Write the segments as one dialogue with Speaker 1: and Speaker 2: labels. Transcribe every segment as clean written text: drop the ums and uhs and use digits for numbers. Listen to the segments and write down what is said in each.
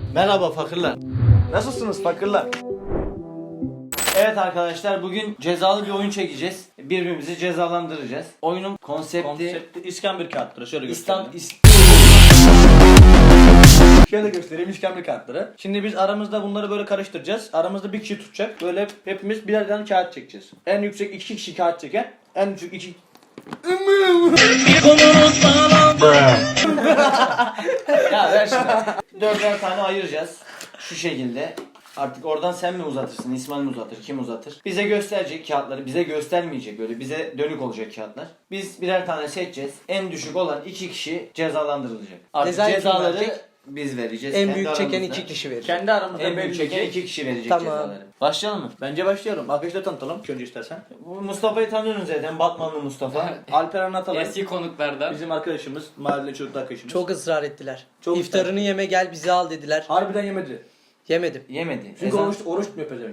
Speaker 1: Merhaba fakirler. Nasılsınız fakirler? Evet arkadaşlar, bugün cezalı bir oyun çekeceğiz. Birbirimizi cezalandıracağız. Oyunun konsepti
Speaker 2: İskambil kağıtları. Şöyle
Speaker 1: İslam
Speaker 2: göstereyim. Şöyle göstereyim iskambil kağıtları. Şimdi biz aramızda bunları böyle karıştıracağız. Aramızda bir kişi tutacak. Böyle hepimiz birer tane kağıt çekeceğiz. En yüksek 2 kişi kağıt çeken. En düşük 2...
Speaker 1: Ya ver şunu. Dörder tane ayıracağız. Şu şekilde. Artık oradan sen mi uzatırsın, İsmail mi uzatır, kim uzatır? Bize gösterecek kağıtları, bize göstermeyecek, böyle bize dönük olacak kağıtlar. Biz birer tane seçeceğiz. En düşük olan 2 kişi cezalandırılacak. Artık
Speaker 3: Cezayı kim
Speaker 1: cezaları
Speaker 3: verecek?
Speaker 1: biz vereceğiz.
Speaker 3: En
Speaker 1: kendi
Speaker 3: büyük çeken
Speaker 1: aramızda.
Speaker 3: 2 kişi verir.
Speaker 2: Kendi aramızda
Speaker 1: En büyük
Speaker 2: belli
Speaker 1: çeken
Speaker 2: ki.
Speaker 1: 2 kişi verecek
Speaker 3: Tamam.
Speaker 1: cezaları. Başlayalım mı?
Speaker 2: Bence başlayalım. Arkadaşlar tanıtalım. Önce istersen.
Speaker 1: Bu Mustafa'yı tanıyorsunuz zaten. Batmanlı Mustafa.
Speaker 2: Alper anlatalım.
Speaker 4: Eski konuklardan.
Speaker 2: Bizim arkadaşımız. Mahalle çocuk arkadaşımız.
Speaker 3: Çok ısrar ettiler.
Speaker 2: Çok
Speaker 3: İftarını yeme gel bizi al dediler.
Speaker 2: Harbiden yemedi.
Speaker 3: Yemedim.
Speaker 1: Yemedi.
Speaker 2: Çünkü
Speaker 1: Ezan-
Speaker 2: oruç tutmuyor pezevenk.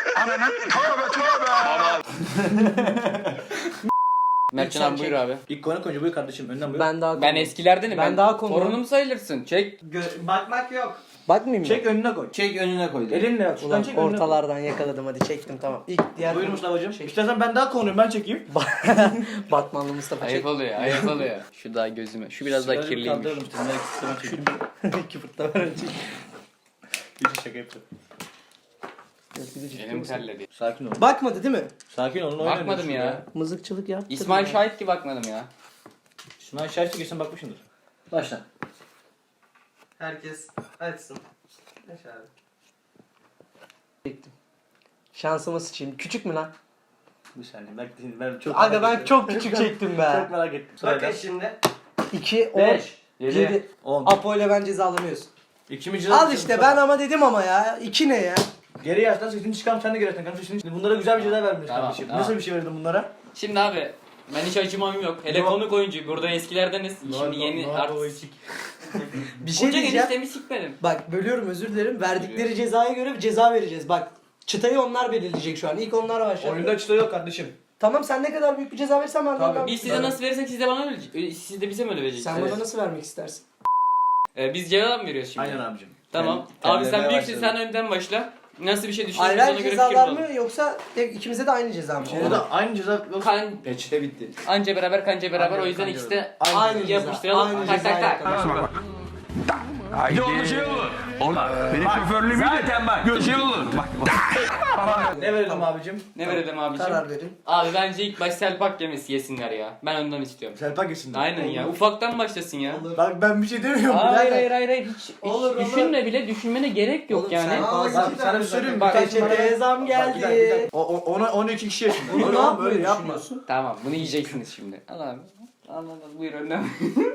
Speaker 4: Mertcan abi buyur abi.
Speaker 2: İlk konuk önce buyur kardeşim. Önden buyur.
Speaker 3: Ben daha
Speaker 4: Ben eskilerdenim.
Speaker 3: Ben daha konum.
Speaker 4: Torunum sayılırsın. Çek.
Speaker 1: Bakmak yok.
Speaker 3: Bakmayayım mı?
Speaker 2: Çek önüne koy.
Speaker 1: Çek önüne koy.
Speaker 2: Elinle yap. Şuradan
Speaker 3: Ulan
Speaker 2: çek önüne koy.
Speaker 3: ortalardan yakaladım, hadi çektim, tamam. İlk diğer
Speaker 2: Buyur Mustafa'cığım. İstersen ben daha konuyum, ben çekeyim.
Speaker 3: Batmanlı Mustafa çek.
Speaker 4: Ayıp oluyor, ayıp oluyor. Şu daha gözüme. Şu biraz daha kirliymiş.
Speaker 2: Kaldıralım işte. Merak etme, ben çekeyim.
Speaker 3: Küfürtler öğrenecek.
Speaker 2: Bir şaka yapıyorum.
Speaker 4: Elim terledi.
Speaker 2: Sakin ol.
Speaker 3: Bakmadı değil mi?
Speaker 2: Sakin olun. oynayın
Speaker 4: Bakmadım
Speaker 2: şurada
Speaker 4: ya.
Speaker 3: Mızıkçılık yaptı.
Speaker 4: İsmail şahit ki bakmadım ya.
Speaker 2: İsmail Şahit'e geçsen bakmışsındır. Başla.
Speaker 5: Herkes açsın. Aç abi.
Speaker 3: Çektim. Şansıma sıçayım. Küçük mü lan?
Speaker 2: Bir saniye. Ben çok
Speaker 3: Aga ben çok küçük çektim
Speaker 2: Çok
Speaker 3: be.
Speaker 2: merak ettim.
Speaker 5: Bakın
Speaker 2: Sırayla.
Speaker 5: şimdi.
Speaker 3: 2, 10,
Speaker 2: 5,
Speaker 3: 7.
Speaker 2: 10.
Speaker 3: Apo ile ben cezalanıyoruz.
Speaker 2: İkimiz
Speaker 3: Al işte, ben ama dedim ama ya. 2 ne ya?
Speaker 2: Geri yaştan sesini çıkarım, sen de geri yaştan kardeşim. Şimdi bunlara güzel bir ceza vermiş
Speaker 4: Tamam,
Speaker 2: kardeşim.
Speaker 4: tamam.
Speaker 2: Nasıl bir şey verdin bunlara?
Speaker 4: Şimdi abi ben hiç acımam yok. Hele
Speaker 2: No.
Speaker 4: konuk oyuncu. Burada eskilerdeniz. Şimdi yeni artık.
Speaker 3: Bir şey
Speaker 4: Koca
Speaker 3: diyeceğim.
Speaker 4: eniştemi sikmedim.
Speaker 3: Bak bölüyorum, özür dilerim. Verdikleri cezaya göre bir ceza vereceğiz. Bak çıtayı onlar belirleyecek şu an. İlk onlar başlayacak.
Speaker 2: Oyunda çıta yok kardeşim.
Speaker 3: Tamam, sen ne kadar büyük bir ceza verirsen ben de ondan
Speaker 4: Biz size nasıl verirsek siz de bana öyle. Siz de bize mi öyle vereceksiniz?
Speaker 3: Sen bana nasıl vermek istersin?
Speaker 4: Biz cevap mı veriyoruz şimdi?
Speaker 2: Aynen abicim.
Speaker 4: Tamam.
Speaker 1: Ben
Speaker 4: Abi sen
Speaker 1: terlemeye
Speaker 4: büyüksün,
Speaker 1: başladım.
Speaker 4: sen önden başla. Nasıl bir şey düşünüyorsun
Speaker 3: Ayrı
Speaker 4: ona göre
Speaker 3: cezalar
Speaker 4: fikir
Speaker 3: mı yoksa ikimize de aynı ceza mı?
Speaker 2: O da aynı ceza yok.
Speaker 4: Kan,
Speaker 1: Peçete bitti.
Speaker 4: anca beraber kanca beraber
Speaker 2: Aynen,
Speaker 4: o yüzden
Speaker 2: kanca
Speaker 4: ikisi de
Speaker 3: Aynı ceza,
Speaker 4: yapıştıralım.
Speaker 3: aynı
Speaker 4: Tak tak
Speaker 3: cezayı
Speaker 4: tak.
Speaker 3: yapalım.
Speaker 6: Bir de onun şey olur. Benim şoförlüğümü zaten bak. Şey olur. Bak.
Speaker 2: Ne verelim abicim?
Speaker 4: Ne verelim abiciğim?
Speaker 3: Karar verin.
Speaker 4: Abi bence ilk baş selpak yemesi yesinler ya. Ben ondan istiyorum.
Speaker 2: Serpak yesin.
Speaker 4: Aynen ya. Ufaktan başlasın ya.
Speaker 2: Bak ben bir şey demiyorum.
Speaker 4: Hayır hiç
Speaker 3: Olur, olur.
Speaker 4: düşünme bile, düşünmene gerek yok
Speaker 3: Oğlum,
Speaker 4: yani.
Speaker 3: sen-
Speaker 2: Bak sana bir söyleyeyim.
Speaker 3: Bak,
Speaker 2: Bak
Speaker 3: peçeteye zam geldi.
Speaker 2: Ona 12 kişi yaşında.
Speaker 3: Bunu
Speaker 2: Öyle
Speaker 3: ne
Speaker 2: oğlum,
Speaker 3: yapmayı
Speaker 2: böyle yapma.
Speaker 3: düşünüyorsun?
Speaker 4: Tamam bunu yiyeceksiniz şimdi. Al abi. Al buyur önden.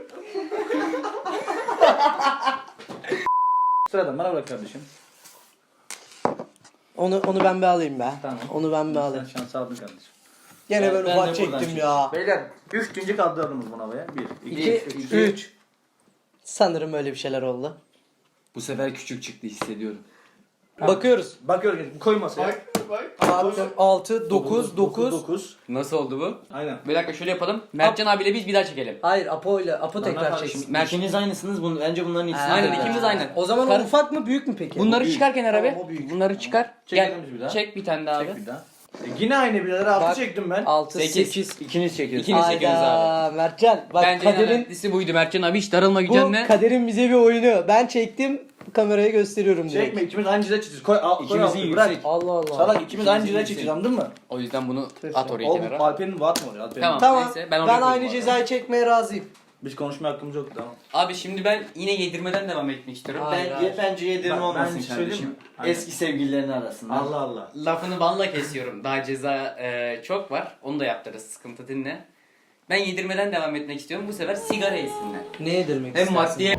Speaker 2: Sıradan bana bırak kardeşim.
Speaker 3: Onu ben bir alayım be.
Speaker 2: Tamam.
Speaker 3: Onu ben bir
Speaker 2: Sen
Speaker 3: alayım.
Speaker 2: şans aldın kardeşim.
Speaker 3: Gene
Speaker 1: Ben
Speaker 3: ben
Speaker 1: de
Speaker 3: ufak
Speaker 1: buradan
Speaker 3: çektim
Speaker 1: çekeyim.
Speaker 3: ya.
Speaker 2: Beyler 3. kaldırdınız buna havaya. 1,
Speaker 3: 2,
Speaker 2: 2,
Speaker 3: 3. Sanırım öyle bir şeyler oldu.
Speaker 1: Bu sefer küçük çıktı, hissediyorum.
Speaker 3: Bakıyoruz.
Speaker 2: Bakıyoruz. Koy masaya.
Speaker 3: 6, 9, 9.
Speaker 2: 9.
Speaker 4: Nasıl oldu bu?
Speaker 2: Aynen.
Speaker 4: Bir dakika şöyle yapalım. Mertcan abiyle biz bir daha çekelim.
Speaker 3: Hayır, Apo tekrar
Speaker 2: kardeşim,
Speaker 3: çeksin.
Speaker 1: İkiniz aynısınız. Bence bunların ikisi.
Speaker 4: Aynen,
Speaker 1: de-
Speaker 4: ikimiz aynen.
Speaker 3: O zaman
Speaker 4: Kar-
Speaker 3: o ufak mı büyük mü peki?
Speaker 4: Bunları
Speaker 1: büyük.
Speaker 4: çıkar kenara
Speaker 3: Tamam,
Speaker 4: be.
Speaker 3: o büyük.
Speaker 4: Bunları çıkar.
Speaker 2: Çekelim
Speaker 4: Gel.
Speaker 2: biz bir daha.
Speaker 4: Çek bir tane daha
Speaker 2: Çek
Speaker 4: abi.
Speaker 2: bir daha. Yine aynı birader. 6
Speaker 3: Bak.
Speaker 2: çektim ben.
Speaker 3: 6,
Speaker 4: Sekiz.
Speaker 3: 8.
Speaker 1: İkiniz çekiyorsunuz.
Speaker 4: İkiniz çekiyoruz abi.
Speaker 3: Hayda Mertcan. Bak
Speaker 4: Bence en
Speaker 3: kaderin,
Speaker 4: önemlisi buydu Mertcan abi, hiç darılma
Speaker 3: bu
Speaker 4: gücenle.
Speaker 3: kaderin bize bir oyunu. Ben çektim, kameraya gösteriyorum direkt.
Speaker 2: Çekme, ikimiz aynı ceza çekeceğiz. Koy, koy
Speaker 1: İkimizin
Speaker 2: altı, bırak.
Speaker 1: yüksek.
Speaker 3: Allah Allah.
Speaker 2: Salak ikimiz aynı ceza
Speaker 1: yüksek.
Speaker 2: çekeceğiz, anladın mı?
Speaker 4: O yüzden bunu at oraya
Speaker 2: Oğlum
Speaker 4: kenara.
Speaker 2: Alper'in vaat mı oluyor? Alper'in.
Speaker 4: Tamam.
Speaker 3: Tamam.
Speaker 4: Neyse,
Speaker 3: ben
Speaker 4: ben oraya koydum
Speaker 3: aynı
Speaker 4: abi.
Speaker 3: cezayı çekmeye razıyım.
Speaker 2: Biz konuşma hakkımız yok, tamam.
Speaker 4: Abi şimdi ben yine yedirmeden devam etmek istiyorum.
Speaker 3: Hayır, hayır.
Speaker 1: Bence yedirme
Speaker 2: Ben
Speaker 1: olmasın
Speaker 2: bir şey söyleyeyim
Speaker 1: kardeşim.
Speaker 2: mi? Aynen.
Speaker 1: Eski sevgililerin arasında.
Speaker 2: Allah Allah.
Speaker 4: Lafını balla kesiyorum. Daha ceza çok var. Onu da yaptırırız. Sıkıntı dinle. Ben yedirmeden devam etmek istiyorum. Bu sefer sigara yesinler.
Speaker 3: Ne yedirmek
Speaker 4: Hem
Speaker 3: istersin?
Speaker 4: maddiye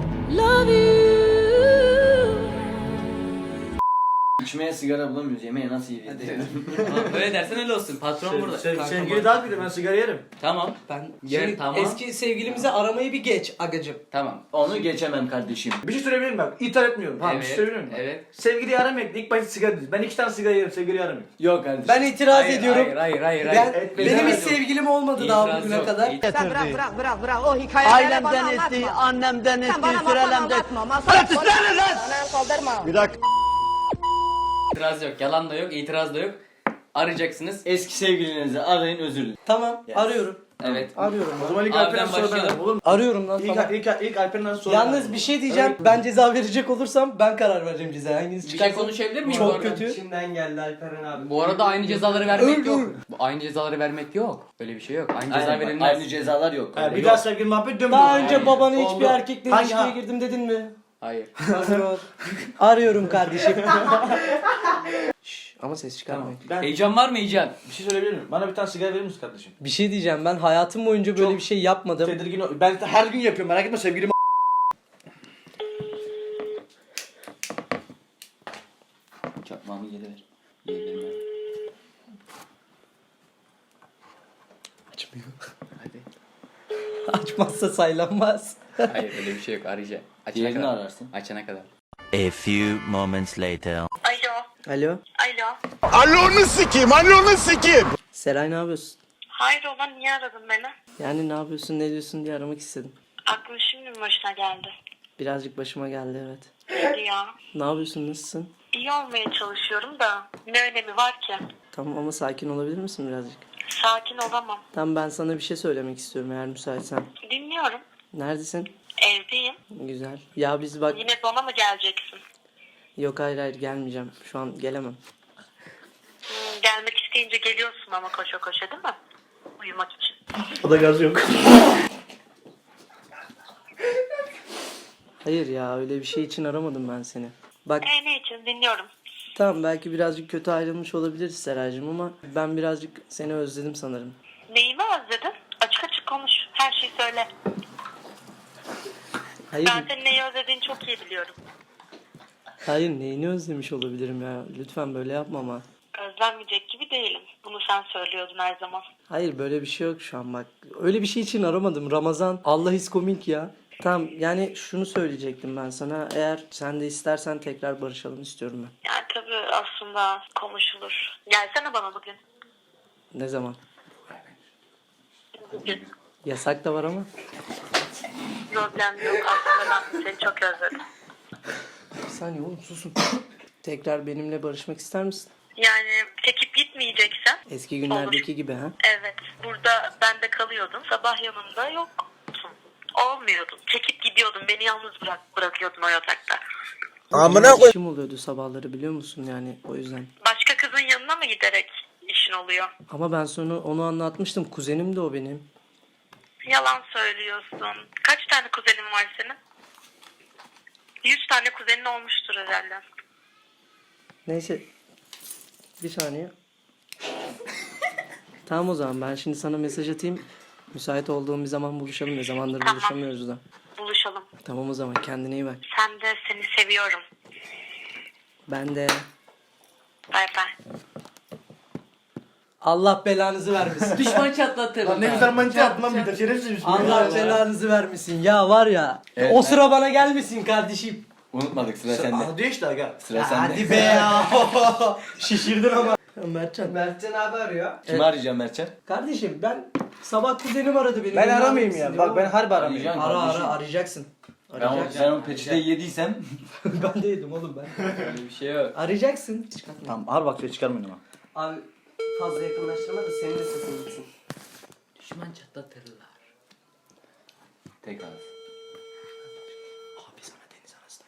Speaker 1: İçmeye sigara bulamıyoruz. Yemeğe nasıl yiyeceğiz?
Speaker 4: Tamam, öyle dersen öyle olsun. Patron burada.
Speaker 2: Sevgili daha kötü, ben sigara yerim.
Speaker 4: Tamam.
Speaker 3: Ben
Speaker 4: Yer,
Speaker 3: şimdi
Speaker 4: tamam.
Speaker 3: eski sevgilimizi aramayı bir geç agacım.
Speaker 4: Tamam.
Speaker 1: Onu geçemem kardeşim.
Speaker 2: Bir şey söyleyebilir miyim bak? İthal etmiyorum. Tamam, bir şey söyleyebilir miyim?
Speaker 4: Evet.
Speaker 2: Sevgiliyi aramayın. İlk başta sigara değil. Ben 2 tane sigara yerim, sevgiliyi aramayın.
Speaker 1: Yok kardeşim.
Speaker 3: Ben itiraz ediyorum.
Speaker 4: Hayır.
Speaker 3: Ben,
Speaker 2: etmeyin.
Speaker 3: benim hiç
Speaker 4: İtiraz yok.
Speaker 3: sevgilim olmadı daha
Speaker 4: İtiraz
Speaker 3: bugüne
Speaker 4: yok.
Speaker 3: kadar.
Speaker 7: Sen bırak o hikayeleri bana anlatma.
Speaker 8: annemden
Speaker 7: Sen
Speaker 8: etti,
Speaker 7: bana masal
Speaker 8: sürelemden.
Speaker 7: anlatma. Masal Saldırma.
Speaker 4: İtiraz yok, yalan da yok, itiraz da yok. Arayacaksınız.
Speaker 1: Eski sevgilinizi arayın, özür dileyin.
Speaker 3: Tamam arıyorum.
Speaker 4: Evet.
Speaker 3: Arıyorum.
Speaker 2: O zaman ilk
Speaker 4: Abi
Speaker 2: Alper'den
Speaker 4: ben
Speaker 2: sonra ben
Speaker 4: başlayalım.
Speaker 2: ararım, olur mu?
Speaker 3: Arıyorum lan tamam.
Speaker 2: İlk Alper'den sonra
Speaker 3: Yalnız bir şey diyeceğim. Ben ceza verecek olursam ben karar vereceğim ceza. Hanginiz
Speaker 4: Bir şey
Speaker 3: çıkarsa.
Speaker 4: konuşabilir miyim?
Speaker 3: Çok
Speaker 4: bu arada?
Speaker 3: kötü.
Speaker 5: İçimden geldi Alperen abi.
Speaker 4: Bu arada aynı cezaları vermek
Speaker 3: Öldür.
Speaker 4: yok. Aynı cezaları vermek yok. Öyle bir şey yok. Aynı ceza
Speaker 1: Aynen, bak,
Speaker 4: verilmez.
Speaker 1: aynı cezalar yok.
Speaker 2: Yani bir
Speaker 1: Yok.
Speaker 2: daha sevgili muhabbet dönmüyor.
Speaker 3: Daha önce babana hiçbir
Speaker 2: Oldu.
Speaker 3: erkekle
Speaker 2: Hangi-
Speaker 3: ilişkiye
Speaker 2: ha.
Speaker 3: girdim dedin mi?
Speaker 4: Hayır.
Speaker 3: Arıyorum kardeşim. Şş, ama ses çıkarmayın.
Speaker 2: Ben
Speaker 4: Heyecan var mı heyecan?
Speaker 2: bir şey söyleyebilir miyim? Bana bir tane sigara verir misin kardeşim?
Speaker 3: Bir şey diyeceğim, ben hayatım boyunca böyle
Speaker 2: Çok
Speaker 3: bir şey yapmadım.
Speaker 2: Tedirgin ben her gün yapıyorum, merak etme sevgilim.
Speaker 1: Çakmağımı geri ver. Geri ver.
Speaker 3: Açmıyor.
Speaker 4: Hadi.
Speaker 3: Açmazsa saylanmaz.
Speaker 4: Hayır öyle bir şey yok. Arayacağım. Açana
Speaker 1: Diğerini
Speaker 4: kadar.
Speaker 1: ararsın.
Speaker 4: Açana kadar.
Speaker 8: A few moments later.
Speaker 7: Alo.
Speaker 3: Alo.
Speaker 7: Alo.
Speaker 9: Alonu sikeyim, alonu sikeyim.
Speaker 3: Seray ne yapıyorsun?
Speaker 7: Hayrola niye aradın beni?
Speaker 3: Yani ne yapıyorsun, ne diyorsun diye aramak istedim.
Speaker 7: Aklın şimdi mi başına geldi?
Speaker 3: Birazcık başıma geldi evet.
Speaker 7: Hadi ya.
Speaker 3: Ne yapıyorsun, nasılsın?
Speaker 7: İyi olmaya çalışıyorum da ne önemi var ki?
Speaker 3: Tamam ama sakin olabilir misin birazcık?
Speaker 7: Sakin olamam.
Speaker 3: Tamam ben sana bir şey söylemek istiyorum eğer müsaitsen.
Speaker 7: Dinliyorum.
Speaker 3: Neredesin?
Speaker 7: Evdeyim.
Speaker 3: Güzel. Ya biz bak...
Speaker 7: Yine bana mı geleceksin?
Speaker 3: Yok hayır gelmeyeceğim. Şu an gelemem.
Speaker 7: Gelmek isteyince geliyorsun ama koşa koşa değil mi? Uyumak için.
Speaker 2: O da gaz yok.
Speaker 3: Hayır ya öyle bir şey için aramadım ben seni. Bak
Speaker 7: Ne için dinliyorum.
Speaker 3: tamam belki birazcık kötü ayrılmış olabiliriz Seraycığım ama ben birazcık seni özledim sanırım.
Speaker 7: Neyimi özledin? Açık açık konuş. Her şeyi söyle.
Speaker 3: Hayır,
Speaker 7: Ben senin neyi özlediğini çok iyi biliyorum.
Speaker 3: hayır neyini özlemiş olabilirim ya. Lütfen böyle yapma ama.
Speaker 7: Özlenmeyecek gibi değilim. Bunu sen söylüyordun her zaman.
Speaker 3: Hayır böyle bir şey yok şu an bak. Öyle bir şey için aramadım. Ramazan Allah is komik ya. Tamam yani şunu söyleyecektim ben sana. Eğer sen de istersen tekrar barışalım istiyorum ben.
Speaker 7: Yani tabii aslında konuşulur. Gelsene bana bugün.
Speaker 3: Ne zaman?
Speaker 7: Bugün.
Speaker 3: Yasak da var ama.
Speaker 7: Problem yok. Aslında ben seni çok özledim.
Speaker 3: Bir saniye oğlum susun. Tekrar benimle barışmak ister misin?
Speaker 7: Yani çekip gitmeyeceksen.
Speaker 3: Eski günlerdeki gibi ha?
Speaker 7: Evet. Burada bende kalıyordun. Sabah yanımda yoksun. Olmuyordun. Çekip gidiyordun. Beni yalnız bırakıyordun o yatakta.
Speaker 9: Amına
Speaker 3: Benim işim oluyordu sabahları biliyor musun yani o yüzden.
Speaker 7: Başka kızın yanına mı giderek işin oluyor?
Speaker 3: Ama ben sonra onu anlatmıştım. Kuzenim de o benim.
Speaker 7: Yalan söylüyorsun. Kaç tane kuzenin var senin? 100 tane kuzenin olmuştur herhalde.
Speaker 3: Neyse. Bir saniye. Tamam o zaman ben şimdi sana mesaj atayım. Müsait olduğum bir zaman buluşalım. Ne zamandır
Speaker 7: Tamam.
Speaker 3: buluşamıyoruz da.
Speaker 7: Buluşalım.
Speaker 3: Tamam o zaman kendine iyi bak.
Speaker 7: Sen de seni seviyorum.
Speaker 3: Ben de.
Speaker 7: Bay bay.
Speaker 3: Allah belanızı vermesin.
Speaker 4: Düşman çatlatır.
Speaker 2: Ne güzel manita yaptın lan bir de şerefsiz misin?
Speaker 3: Allah belanızı vermesin. Ya var ya.
Speaker 1: Evet,
Speaker 3: o sıra bana gelmesin kardeşim.
Speaker 1: Unutmadık, sıra sende.
Speaker 2: Hadi işte aga.
Speaker 1: Sıra sende.
Speaker 3: Hadi be ya. Şişirdin ama. Mertcan.
Speaker 5: Mertcan abi arıyor.
Speaker 1: Kimi arayacağım Mertcan?
Speaker 3: Kardeşim ben sabah kuzenim aradı beni.
Speaker 2: Ben
Speaker 3: Beni
Speaker 2: aramayayım
Speaker 3: aramışsın
Speaker 2: ya.
Speaker 3: diyor
Speaker 2: Bak ben
Speaker 3: ama-
Speaker 2: harbi aramayayım.
Speaker 1: Arayacaksın
Speaker 3: Ara
Speaker 1: kardeşim.
Speaker 3: arayacaksın.
Speaker 1: Ben
Speaker 3: Arayacaksın.
Speaker 1: o peçeteyi yediysem
Speaker 3: Ben de yedim oğlum ben.
Speaker 4: Öyle bir şey yok.
Speaker 3: Arayacaksın. Çıkartma.
Speaker 2: Tamam harbi bak ses çıkarmayın ama.
Speaker 5: Abi fazla yakınlaştırma da senin de sesin gitsin.
Speaker 4: Düşman çatlatırlar.
Speaker 1: tekrar.
Speaker 3: Abi sana deniz arası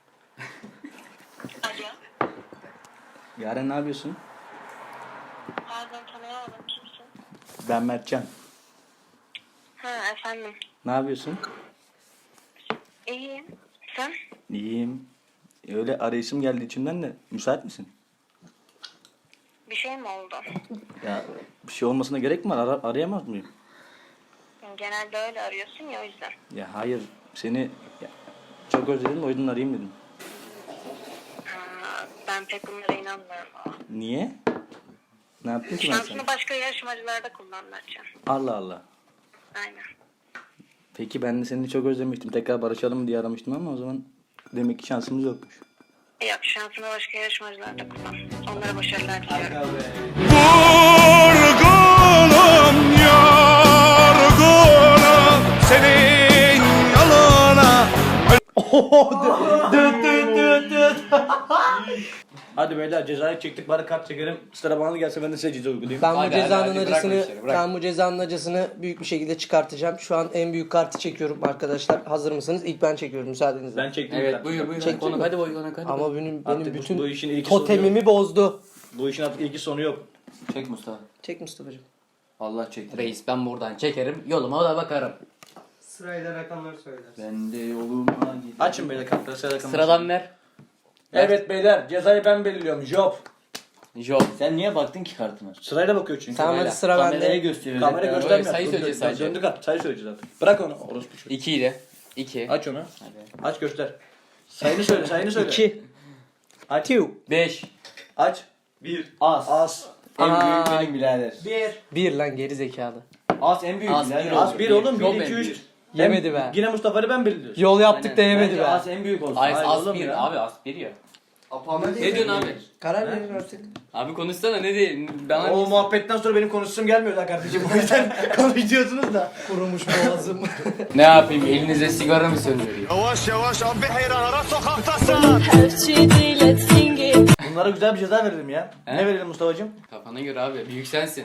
Speaker 7: Alo.
Speaker 2: Yaren ne yapıyorsun?
Speaker 7: Pardon tanıyamadım. Kimsin?
Speaker 2: Ben Mertcan.
Speaker 7: Ha efendim.
Speaker 2: Ne yapıyorsun?
Speaker 7: İyiyim. Sen?
Speaker 2: İyiyim. Öyle arayışım geldi içimden de. Müsait misin?
Speaker 7: Bir şey mi oldu?
Speaker 2: Ya bir şey olmasına gerek mi var? Arayamaz mıyım?
Speaker 7: Genelde öyle arıyorsun ya o yüzden.
Speaker 2: Ya hayır. Seni ya, çok özledim o yüzden arayayım dedim.
Speaker 7: Ben pek bunlara inanmıyorum.
Speaker 2: Niye? Ne yaptın ki ben sana?
Speaker 7: Şansını başka yarışmacılarda kullan Mertcan.
Speaker 2: Allah Allah.
Speaker 7: Aynen.
Speaker 2: Peki ben de seni çok özlemiştim. Tekrar barışalım diye aramıştım ama o zaman demek ki şansımız yokmuş.
Speaker 7: Yok şansını başka yarışmacılarda kullan. Onlara başarılar diliyorum.
Speaker 9: Vurgunum, yorgunum senin yoluna.
Speaker 3: Düt düt düt düt.
Speaker 2: Hadi beyler cezayı çektik bari kart çekelim. Sıra bana gelse ben de size ceza uygulayayım.
Speaker 3: Ben bu
Speaker 4: Hadi,
Speaker 3: cezanın
Speaker 4: hadi, bırak
Speaker 3: acısını
Speaker 4: bu işleri, bırak.
Speaker 3: ben bu cezanın acısını büyük bir şekilde çıkartacağım. Şu an en büyük kartı çekiyorum arkadaşlar. Hazır mısınız? İlk ben çekiyorum müsaadenizle.
Speaker 2: Ben çektim.
Speaker 4: Evet
Speaker 2: kartı.
Speaker 4: buyur.
Speaker 3: Çektin
Speaker 4: Konu
Speaker 3: mi?
Speaker 4: hadi boyuna hadi.
Speaker 3: Ama benim
Speaker 2: Artık
Speaker 3: bütün
Speaker 2: bu işin ilki sonu yok.
Speaker 3: totemimi bozdu.
Speaker 2: Bu işin artık ilki sonu yok.
Speaker 1: Çek Mustafa.
Speaker 3: Çek Mustafa'cığım.
Speaker 1: Allah çekti.
Speaker 4: Reis ben buradan çekerim. Yoluma da bakarım.
Speaker 5: Sırayla rakamları söylersin.
Speaker 1: Ben de yoluma giderim.
Speaker 2: Açın beyler kartları
Speaker 4: Sıradan ver.
Speaker 2: Evet beyler cezayı ben belirliyorum. Job.
Speaker 4: Job.
Speaker 1: Sen niye baktın ki kartına?
Speaker 2: Sırayla bakıyor çünkü.
Speaker 3: Tamam hadi sıra
Speaker 1: Kameraya
Speaker 3: bende.
Speaker 1: gösteriyor.
Speaker 2: Kamera
Speaker 1: Reklam.
Speaker 2: göstermiyor.
Speaker 4: sayı söyleyeceğiz sadece.
Speaker 2: Döndük at. Sayı söyleyeceğiz artık. Bırak onu. Orospu çocuğu.
Speaker 4: 2 ile. 2.
Speaker 2: Aç onu. Aç göster. Sayını söyle sayını söyle.
Speaker 3: 2.
Speaker 2: Aç.
Speaker 4: 5.
Speaker 2: Aç. 1.
Speaker 1: As.
Speaker 2: As.
Speaker 1: En
Speaker 3: Aa.
Speaker 1: büyük benim birader.
Speaker 3: 1 lan geri zekalı.
Speaker 1: As en büyük
Speaker 4: As
Speaker 1: birader.
Speaker 4: bir
Speaker 2: As 1 oğlum.
Speaker 4: Job
Speaker 2: 1 2
Speaker 4: en
Speaker 2: 3.
Speaker 4: büyük.
Speaker 3: Yemedi be.
Speaker 2: Yine Mustafa'yı ben belirliyorum.
Speaker 3: Yol yaptık
Speaker 4: Aynen.
Speaker 3: da yemedi
Speaker 1: Bence
Speaker 3: be.
Speaker 1: As en büyük olsun.
Speaker 4: Ay
Speaker 2: Hayır
Speaker 4: as
Speaker 2: oğlum
Speaker 4: 1
Speaker 2: ya.
Speaker 4: abi as 1 ya.
Speaker 5: Apama
Speaker 4: Ne diyorsun abi?
Speaker 3: Karar verin artık.
Speaker 4: Abi konuşsana ne diyeyim? Bana
Speaker 2: O muhabbetten sonra benim konuşsam gelmiyor lan kardeşim. O yüzden konuşuyorsunuz da.
Speaker 3: Kurumuş boğazım.
Speaker 4: ne yapayım elinize sigara mı söndüreyim?
Speaker 9: Yavaş yavaş abi hayranlara sokaktasın.
Speaker 2: Bunlara güzel bir ceza verelim ya.
Speaker 4: He?
Speaker 2: Ne verelim Mustafa'cığım?
Speaker 4: Kafana göre abi büyük sensin.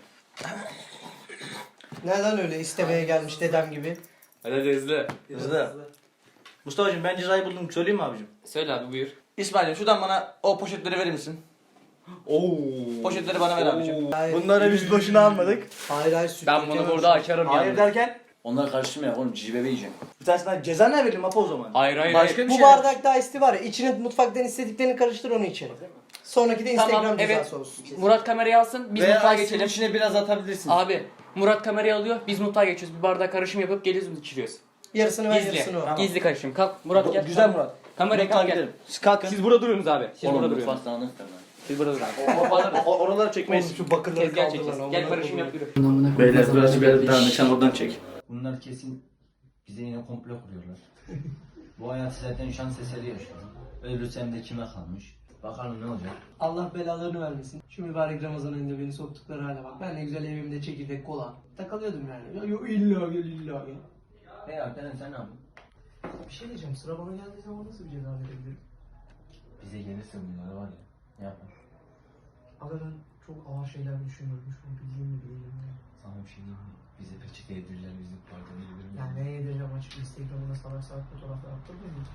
Speaker 3: Neden öyle istemeye gelmiş dedem gibi?
Speaker 4: Hadi hızlı.
Speaker 2: Hızlı. Mustafa'cığım ben cezayı buldum. Söyleyeyim mi abicim?
Speaker 4: Söyle abi buyur.
Speaker 2: İsmail'im şuradan bana o poşetleri verir misin?
Speaker 4: Oo.
Speaker 2: Poşetleri bana ver abicim.
Speaker 3: Hayır.
Speaker 2: Bunları biz boşuna almadık.
Speaker 3: Hayır süt
Speaker 4: Ben bunu
Speaker 3: dökemem.
Speaker 4: burada açarım
Speaker 2: Hayır
Speaker 4: yani.
Speaker 2: derken
Speaker 1: Onları karıştırma oğlum cici bebe yiyeceğim.
Speaker 2: bir tanesinden ceza ne verelim Apo o zaman?
Speaker 4: Hayır hayır.
Speaker 2: Başka
Speaker 4: hayır.
Speaker 2: bir
Speaker 3: Bu
Speaker 2: şey.
Speaker 3: bardakta ice var ya içine mutfaktan istediklerini karıştır onu içelim. Sonraki de Instagram
Speaker 4: Tamam
Speaker 3: cezası
Speaker 4: evet.
Speaker 3: olsun.
Speaker 4: Murat kamerayı alsın biz
Speaker 1: Veya
Speaker 4: mutfağa
Speaker 1: As'ın
Speaker 4: geçelim.
Speaker 1: içine biraz atabilirsin.
Speaker 4: Abi Murat kamerayı alıyor biz mutfağa geçiyoruz. Bir bardak karışım yapıp geliyoruz içiriyoruz.
Speaker 3: Yarısını ben
Speaker 4: Gizli.
Speaker 3: yarısını o.
Speaker 2: Tamam.
Speaker 4: Gizli karışım. Kalk Murat gel.
Speaker 2: Güzel Murat.
Speaker 4: Kameraya
Speaker 2: Mutfağa
Speaker 4: kalk gel.
Speaker 2: gidelim. Siz kalkın.
Speaker 4: Siz burada duruyorsunuz abi. Siz burada
Speaker 1: Oğlum
Speaker 4: duruyorsunuz.
Speaker 1: mutfak dağınık da lan.
Speaker 4: Siz burada durun.
Speaker 2: Oraları çekmeyiz.
Speaker 3: Şu bakırları
Speaker 4: Tezgah
Speaker 3: kaldır
Speaker 4: çekeceğiz.
Speaker 3: lan.
Speaker 4: Gel
Speaker 3: amına
Speaker 4: karışım
Speaker 3: koyayım.
Speaker 4: yap yürü.
Speaker 2: Beyler burası biraz dağınık. Sen oradan çek.
Speaker 1: Bunlar kesin bize yine komplo kuruyorlar. Bu hayatı zaten şans eseri yaşıyorum. Ölürsem de kime kalmış? Bakalım ne olacak?
Speaker 3: Allah belalarını vermesin. Şu mübarek Ramazan ayında beni soktukları hale bak. Ben ne güzel evimde çekirdek kola. Takılıyordum yani. Ya, yo, illa gel illa gel.
Speaker 1: Hey Alperen sen ne yaptın?
Speaker 3: Bir şey diyeceğim. Sıra bana geldiği zaman nasıl bir ceza verebilirim?
Speaker 1: Bize gelirse bunlar var ya. Ne yapar?
Speaker 3: Abi ben çok ağır şeyler düşünüyorum. Şu an bildiğim mi bilmiyorum. Ya.
Speaker 1: Sana bir şey diyeyim mi? Bize peçete yedirirler, bizi parkta yedirirler.
Speaker 3: Yani ne yedireceğim açık Instagram'da salak salak fotoğraflar attırmıyor muyum?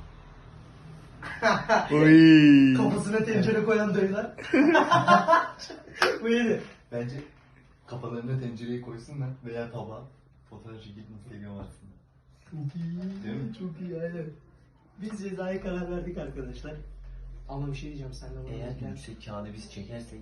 Speaker 3: Kafasına tencere koyan dayılar. Bu iyiydi.
Speaker 10: Bence kafalarına tencereyi koysunlar veya tabağa fotoğraf çekip Instagram atsınlar.
Speaker 3: Çok iyi. Çok iyi aynen. Biz cezaya karar verdik arkadaşlar. Ama bir şey diyeceğim sen de bunu
Speaker 1: Eğer
Speaker 3: derken.
Speaker 1: yüksek kağıdı biz çekersek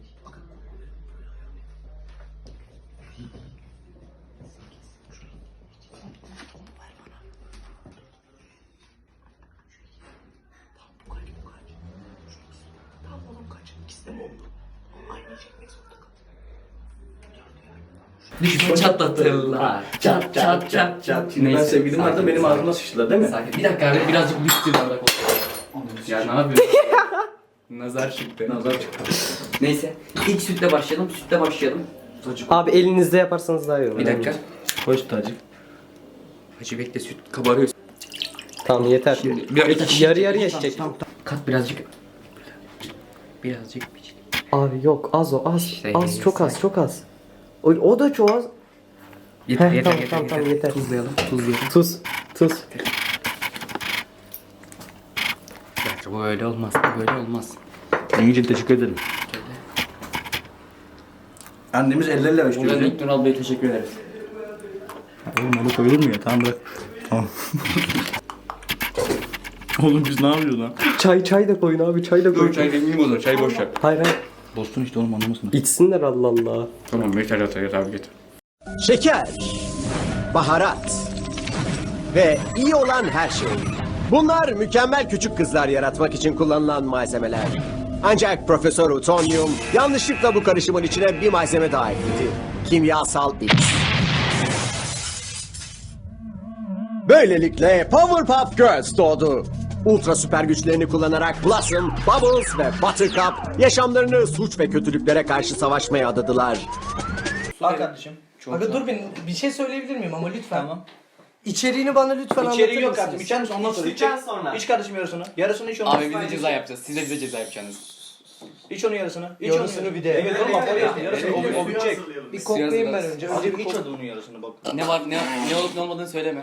Speaker 4: Düşman çatlatırlar. Çat çat çat çat.
Speaker 2: Şimdi ben sevgilim vardı
Speaker 4: sakin,
Speaker 2: benim
Speaker 4: sakin.
Speaker 2: ağzıma sıçtılar değil mi?
Speaker 4: Sakin. Bir dakika abi birazcık büyük bir bardak olsun. Ya ne yapıyorsun? Nazar çıktı.
Speaker 2: Nazar çıktı.
Speaker 4: Neyse. İlk sütle başlayalım. Sütle başlayalım.
Speaker 5: Abi elinizde yaparsanız daha iyi olur.
Speaker 4: Bir dakika.
Speaker 2: Hoş tacık.
Speaker 4: Hacı bekle süt kabarıyor.
Speaker 5: Tamam yeter. Yarı yarıya çek.
Speaker 4: Kat birazcık. Birazcık.
Speaker 5: Abi yok az o az.
Speaker 4: İşte
Speaker 5: Az çok az çok az. O da çok az.
Speaker 4: Yeter
Speaker 5: Heh,
Speaker 4: yeter
Speaker 5: tamam,
Speaker 4: yeter.
Speaker 5: tamam, yeter.
Speaker 4: Tuzlayalım. Tuzlayalım.
Speaker 5: Tuz.
Speaker 4: Bence bu öyle olmaz. Bu böyle olmaz.
Speaker 2: Engin teşekkür ederim. Annemiz elleriyle
Speaker 4: Buradan
Speaker 2: açıyor.
Speaker 4: ilk Nural Bey'e teşekkür ederiz.
Speaker 2: Oğlum onu koyulur mu ya? Tamam bırak. Tamam. Oğlum biz ne yapıyoruz lan?
Speaker 5: Çay da koyun abi çay da koyun.
Speaker 4: Çay demeyeyim o zaman. Çay boş yap.
Speaker 5: Hayır hayır.
Speaker 2: Dostun işte oğlum anlamasın.
Speaker 5: İçsinler Allah Allah.
Speaker 4: Tamam yeter yeter abi yeter.
Speaker 9: Şeker, baharat ve iyi olan her şey. Bunlar mükemmel küçük kızlar yaratmak için kullanılan malzemeler. Ancak Profesör Utonium yanlışlıkla bu karışımın içine bir malzeme daha ekledi. Kimyasal X. Böylelikle Powerpuff Girls doğdu. Ultra süper güçlerini kullanarak Blossom, Bubbles ve Buttercup yaşamlarını suç ve kötülüklere karşı savaşmaya adadılar.
Speaker 2: Al kardeşim.
Speaker 3: Aga dur bir şey söyleyebilir miyim ama lütfen.
Speaker 2: Tamam.
Speaker 3: İçeriğini bana lütfen anlatır
Speaker 2: İçeriği yok
Speaker 3: mısınız?
Speaker 2: kardeşim. İçer misin ondan sonra?
Speaker 5: İçtikten sonra.
Speaker 2: İç kardeşim yarısını. Yarısını iç ondan
Speaker 4: Abi bize ceza yapacağız. Siz de bize ceza yapacaksınız.
Speaker 2: İç onun yarısını. İç
Speaker 3: Yarısını
Speaker 2: onun
Speaker 3: bir de.
Speaker 2: Evet oğlum bak yarısını. O bitecek.
Speaker 3: Bir koklayayım ben önce. Önce bir
Speaker 2: İç
Speaker 3: kok.
Speaker 2: onun yarısını bak.
Speaker 4: Ne var ne olup ne olmadığını söyleme.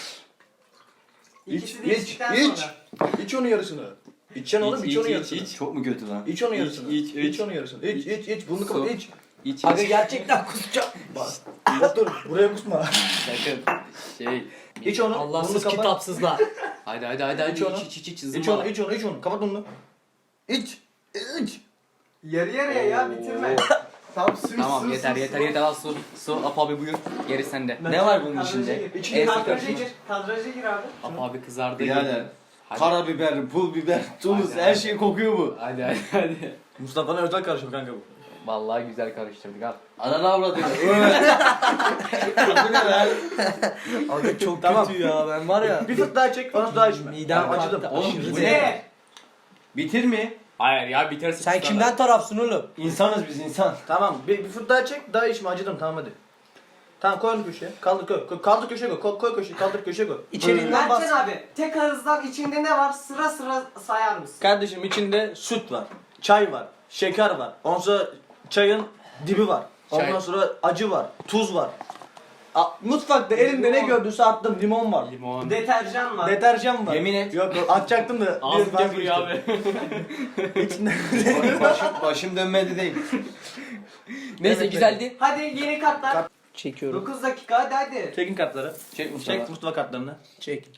Speaker 5: İkisi de içtikten sonra.
Speaker 2: İç onun yarısını. İçeceksin oğlum iç onun yarısını.
Speaker 1: Çok mu kötü lan?
Speaker 2: İç onun yarısını.
Speaker 4: iç.
Speaker 2: İç onun yarısını. İç. Bunu kapat iç.
Speaker 4: İç
Speaker 3: Aga gerçekten kusacağım.
Speaker 2: Bak dur buraya kusma.
Speaker 4: sakın. Şey.
Speaker 2: İç onu.
Speaker 3: Allahsız
Speaker 2: bunu kapat.
Speaker 3: kitapsızlar.
Speaker 4: Hadi
Speaker 2: İç onu.
Speaker 4: iç
Speaker 2: İç
Speaker 4: zımbala.
Speaker 2: onu iç onu. Kapat onu. İç.
Speaker 5: Yarı yarıya ya bitirme. Tamam su
Speaker 4: Tamam yeter al su. Apo abi buyur. Geri sende.
Speaker 1: Ne var bunun içinde?
Speaker 2: İçine
Speaker 5: Kadraja gir. Kadraja gir abi.
Speaker 4: Apo abi kızardı.
Speaker 1: Birader.
Speaker 4: Hadi.
Speaker 1: Karabiber, pul biber, tuz
Speaker 4: Hadi.
Speaker 1: her şey kokuyor bu.
Speaker 4: Hadi.
Speaker 2: Mustafa'nın özel karışım kanka bu.
Speaker 4: Vallahi güzel karıştırdık al.
Speaker 1: Ananı avradı. Bu ne lan?
Speaker 3: Aga çok
Speaker 2: Tamam.
Speaker 3: kötü ya ben var ya.
Speaker 2: Bir fıt daha çek. Onu daha içme.
Speaker 3: Midem
Speaker 2: acıdım.
Speaker 3: kalktı,
Speaker 1: Oğlum
Speaker 3: aşırı
Speaker 1: bu
Speaker 3: zevkli.
Speaker 1: ne? Bitir mi?
Speaker 4: Hayır ya biterse
Speaker 3: Sen kimden tarafsın oğlum?
Speaker 1: İnsanız biz insan.
Speaker 2: Tamam bir fıt daha çek. Daha içme acıdım tamam hadi. Tamam koy onu köşeye. Kaldır koy. Kaldır köşeye koy. Koy köşeye. Kaldır köşeye koy.
Speaker 3: İçeriğinden bas.
Speaker 5: Mertcan abi tek ağızdan içinde ne var sıra sıra sayar mısın?
Speaker 2: Kardeşim içinde süt var. Çay var. Şeker var. Ondan sonra çayın dibi var. Ondan
Speaker 4: Çay.
Speaker 2: sonra acı var. Tuz var. Mutfakta elimde ne gördüyse attım. Limon var.
Speaker 4: Limon.
Speaker 5: Deterjan var.
Speaker 2: Deterjan var.
Speaker 1: Yemin et.
Speaker 2: Yok atacaktım da.
Speaker 4: Ağzım
Speaker 2: biraz
Speaker 4: köpürüyor abi.
Speaker 2: İçinde.
Speaker 1: Başım dönmedi değil.
Speaker 4: Neyse
Speaker 2: Evet,
Speaker 4: güzeldi.
Speaker 5: Hadi yeni kartlar.
Speaker 3: Çekiyorum.
Speaker 5: 9 dakika hadi.
Speaker 2: Çekin kartları.
Speaker 1: Çek Mustafa.
Speaker 2: Çek Mustafa kartlarını.
Speaker 3: Çek.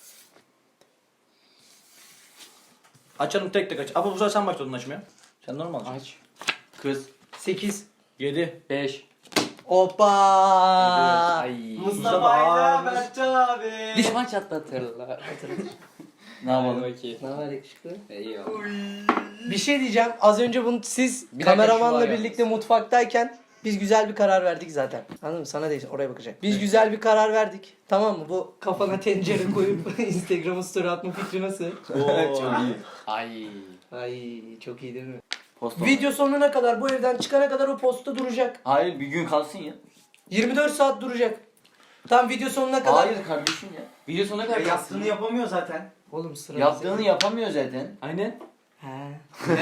Speaker 2: Açalım tek tek aç. Ama bu sefer sen başladın açmaya. Sen normal aç.
Speaker 4: Aç.
Speaker 1: Kız.
Speaker 3: 8.
Speaker 2: 7.
Speaker 4: 5.
Speaker 3: Hoppa.
Speaker 4: Ay.
Speaker 5: Mustafa'yla Mertcan abi.
Speaker 4: Düşman çatlatırlar.
Speaker 1: Ne yapalım?
Speaker 4: Bakayım.
Speaker 3: Ne var yakışıklı?
Speaker 4: Eyvallah.
Speaker 3: Bir şey diyeceğim. Az önce bunu siz
Speaker 4: Bir dakika, şu
Speaker 3: kameramanla
Speaker 4: var
Speaker 3: birlikte mutfaktayken biz güzel bir karar verdik zaten. Anladın mı? Sana değil oraya bakacak. Biz güzel bir karar verdik. Tamam mı? Bu kafana tencere koyup Instagram'a story atma fikri nasıl?
Speaker 1: Çok iyi.
Speaker 4: Ay.
Speaker 3: Ay çok iyi değil mi?
Speaker 1: Posta.
Speaker 3: Video sonuna kadar bu evden çıkana kadar o posta duracak.
Speaker 1: Hayır bir gün kalsın ya.
Speaker 3: 24 saat duracak. Tam video sonuna kadar.
Speaker 1: Hayır kardeşim ya.
Speaker 4: Video sonuna kadar
Speaker 5: Yaptığını yapamıyor zaten.
Speaker 3: Oğlum sıra.
Speaker 1: Yaptığını yapamıyor zaten.
Speaker 4: Aynen.
Speaker 3: He.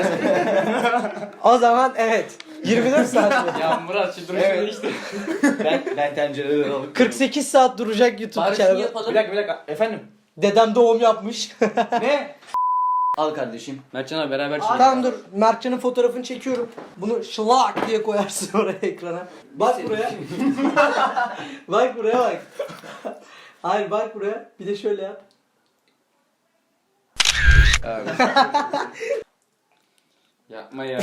Speaker 3: O zaman evet. 24 saat.
Speaker 4: Ya Murat şu duruşunu
Speaker 1: Evet.
Speaker 4: işte.
Speaker 1: Ben tencereleri alıp
Speaker 3: 48 saat duracak YouTube
Speaker 4: Bari şunu
Speaker 3: kanalı.
Speaker 4: yapalım.
Speaker 2: Bir dakika. Efendim.
Speaker 3: Dedem doğum yapmış.
Speaker 2: Ne?
Speaker 1: al kardeşim.
Speaker 4: Mertcan abi beraber
Speaker 5: Abi.
Speaker 3: Tamam dur. Mertcan'ın fotoğrafını çekiyorum. Bunu şlak diye koyarsın oraya ekrana. Bak buraya. Bak buraya bak. Hayır bak buraya. Bir de şöyle yap.
Speaker 4: Abi. Yapma ya.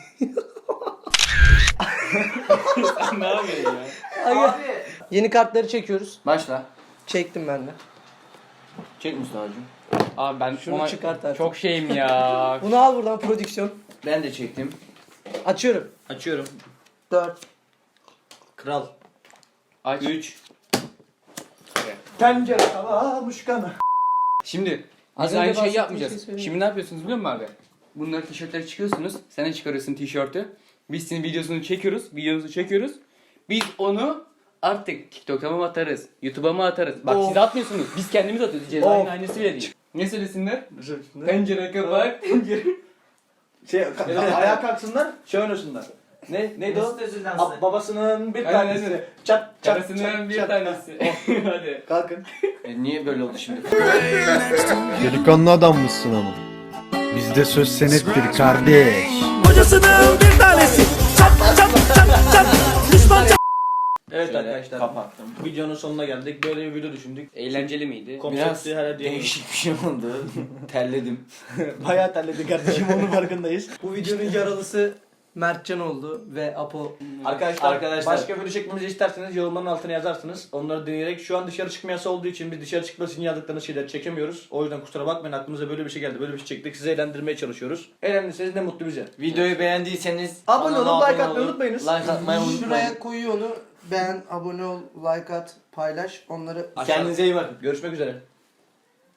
Speaker 4: Sen ne yapıyorsun ya?
Speaker 5: Abi.
Speaker 3: Yeni kartları çekiyoruz.
Speaker 1: Başla.
Speaker 3: Çektim ben de.
Speaker 1: Çek Mustafa'cığım.
Speaker 4: Abi ben
Speaker 3: Şunu
Speaker 4: ona
Speaker 3: çıkart artık.
Speaker 4: çok şeyim ya.
Speaker 3: Bunu al buradan prodüksiyon.
Speaker 1: Ben de çektim.
Speaker 3: Açıyorum.
Speaker 2: Açıyorum.
Speaker 3: 4.
Speaker 2: Kral.
Speaker 4: Aç.
Speaker 1: 3.
Speaker 2: Tencere tava muşkana.
Speaker 4: Şimdi
Speaker 3: Az
Speaker 4: biz
Speaker 3: önce
Speaker 4: aynı şeyi
Speaker 3: bahsettiğim
Speaker 4: yapmayacağız.
Speaker 3: şeyi söyleyeyim.
Speaker 4: Şimdi ne yapıyorsunuz biliyor musun abi? Bunları tişörtleri çıkıyorsunuz. Sen de çıkarıyorsun tişörtü. Biz senin videosunu çekiyoruz. Videomuzu çekiyoruz. Biz onu artık TikTok'a mı atarız? YouTube'a mı atarız? Bak
Speaker 3: Of.
Speaker 4: siz atmıyorsunuz. Biz kendimiz atıyoruz. Cezayın
Speaker 3: Of.
Speaker 4: aynısı bile değil. Ne söylesinler? Pencere kapak.
Speaker 2: Ayağa kalksınlar. Şey oynasınlar. Neydi o?
Speaker 5: Mesut Özil dansı.
Speaker 2: Babasının bir
Speaker 4: Aynen,
Speaker 2: tanesi.
Speaker 4: aynen.
Speaker 2: Çat çat
Speaker 4: Karısının bir
Speaker 2: çat.
Speaker 4: tanesi. Hadi.
Speaker 2: Kalkın.
Speaker 1: Niye böyle oldu şimdi?
Speaker 10: Delikanlı adammışsın ama. Bizde söz senettir kardeş.
Speaker 2: Evet
Speaker 1: Şöyle
Speaker 2: arkadaşlar.
Speaker 1: kapattım.
Speaker 2: Videonun sonuna geldik. Böyle bir video düşündük.
Speaker 4: Eğlenceli miydi?
Speaker 1: Biraz
Speaker 2: Konsepti her
Speaker 1: değişik bir şey oldu. Terledim.
Speaker 2: Bayağı terledik kardeşim onun farkındayız.
Speaker 3: Bu videonun yaralısı Mertcan oldu ve Apo.
Speaker 2: Arkadaşlar başka video çekmemizi isterseniz yorumların altına yazarsınız. Onları dinleyerek şu an dışarı çıkma yasağı olduğu için biz dışarı çıkması için yazdıklarınız şeyler çekemiyoruz. O yüzden kusura bakmayın aklımıza böyle bir şey geldi. Böyle bir şey çektik. Sizi eğlendirmeye çalışıyoruz. Eğlendiyseniz ne mutlu bize.
Speaker 1: Videoyu beğendiyseniz
Speaker 2: Abone olun,
Speaker 1: kanala
Speaker 2: like
Speaker 1: abone
Speaker 2: atmayı
Speaker 1: olun.
Speaker 2: unutmayınız.
Speaker 1: Like atmayı unutmayın.
Speaker 3: Şuraya koyuyor onu. Beğen, abone ol, like at, paylaş. Onları
Speaker 1: Kendinize iyi bakın.
Speaker 2: Görüşmek üzere.